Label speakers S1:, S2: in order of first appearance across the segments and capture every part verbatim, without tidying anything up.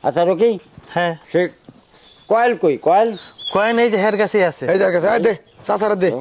S1: আচ্ছা রকি,
S2: হ্যাঁ
S1: সে কয়েল কই কয়েল?
S2: কয়েন এই যে হের কাছেই আছে।
S3: এই যার কাছে আয় দে চাচারা দে।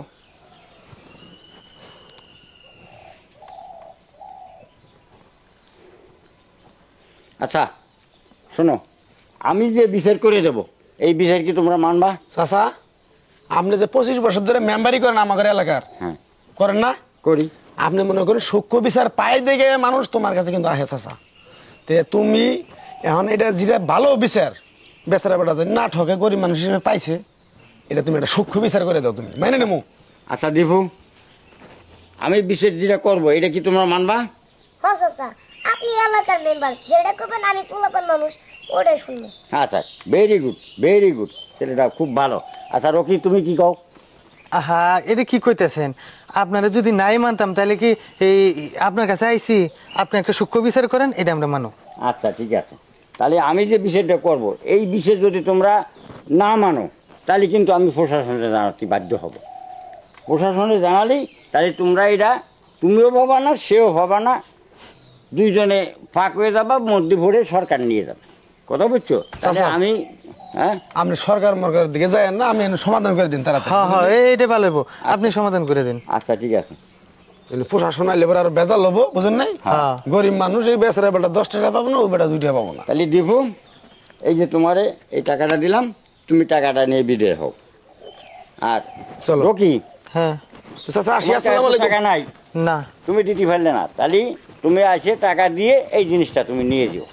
S1: আচ্ছা শোনো, আমি যে বিচার করে দেব এই বিচার কি তোমরা মানবা?
S3: চাচা আপনি যে পঁচিশ বছর ধরে মেম্বারি করেন আমাদের এলাকার,
S1: হ্যাঁ
S3: করেন না?
S1: করি।
S3: আপনি মনে করেন সূক্ষ্ম বিচার পাই দেখে মানুষ তোমার কাছে কিন্তু আহে চাচা। তে তুমি এখন এটা যেটা ভালো বিচার, বেচারা বেটা যদি না ঠকে গরিব মানুষ হিসেবে পাইছে, এটা তুমি একটা সূক্ষ্ম বিচার করে দাও, তুমি মাইনে নেবো।
S1: আচ্ছা দীপু, আমি বিচার যেটা করবো এটা কি তোমরা মানবা?
S4: হ্যাঁ চাচা, আপনি এলাকার মেম্বার, যেটা করবেন আমি পোলাপান মানুষ ওটাই শুনবো।
S1: আচ্ছা ভেরি গুড ভেরি গুড, ছেলেটা খুব ভালো। আচ্ছা রকি তুমি কি কও?
S2: আহা এটা কি কইতেছেন? আপনারা যদি নাই মানতাম তাহলে কি এই আপনার কাছে আইছি আপনি একটা সূক্ষ্ম বিচার করেন, এটা আমরা মানো।
S1: আচ্ছা ঠিক আছে, তাহলে আমি যে বিষয়টা করব এই বিষয় যদি তোমরা না মানো তাহলে কিন্তু আমি প্রশাসনে জানাতে বাধ্য হব। প্রশাসনে জানালেই তাহলে তোমরা এটা তুমিও ভাবা না সেও ভাবা না, দুইজনে ফাঁক হয়ে যাবা, মধ্যে ভরে সরকার নিয়ে যাবে। কথা বুঝছো? তাহলে
S3: আচ্ছা।
S1: আমি হ্যাঁ
S3: আপনি সরকার মরকারের দিকে যায় না, আমি এনে সমাধান করে দিন তারা।
S2: হ্যাঁ হ্যাঁ এইটা ভালো হইব, আপনি সমাধান করে দিন।
S1: আচ্ছা ঠিক আছে।
S3: প্রশাসন আইলে এবার আর বেজাল হবো, বুঝেন নাই?
S2: হ্যাঁ।
S3: গরিব মানুষ এই বেচারা বেটা দশ টাকা পাবো না, ওই বেটা দুই টাকা পাবো না।
S1: তাহলে দীপু, এই যে তোমারে এই টাকাটা দিলাম, তুমি টাকাটা নিয়ে বিদায় হও। আর
S3: চলো।
S1: রকি,
S2: হ্যাঁ
S3: তো চাচা আসি,
S1: তোমার
S3: আসসালামু
S1: কাছে তো
S3: আলাইকুম।
S1: টাকা নাই,
S2: না
S1: তুমি দিতে পারলে না, তাহলে তুমি আসে টাকা দিয়ে এই জিনিসটা তুমি নিয়ে যেও।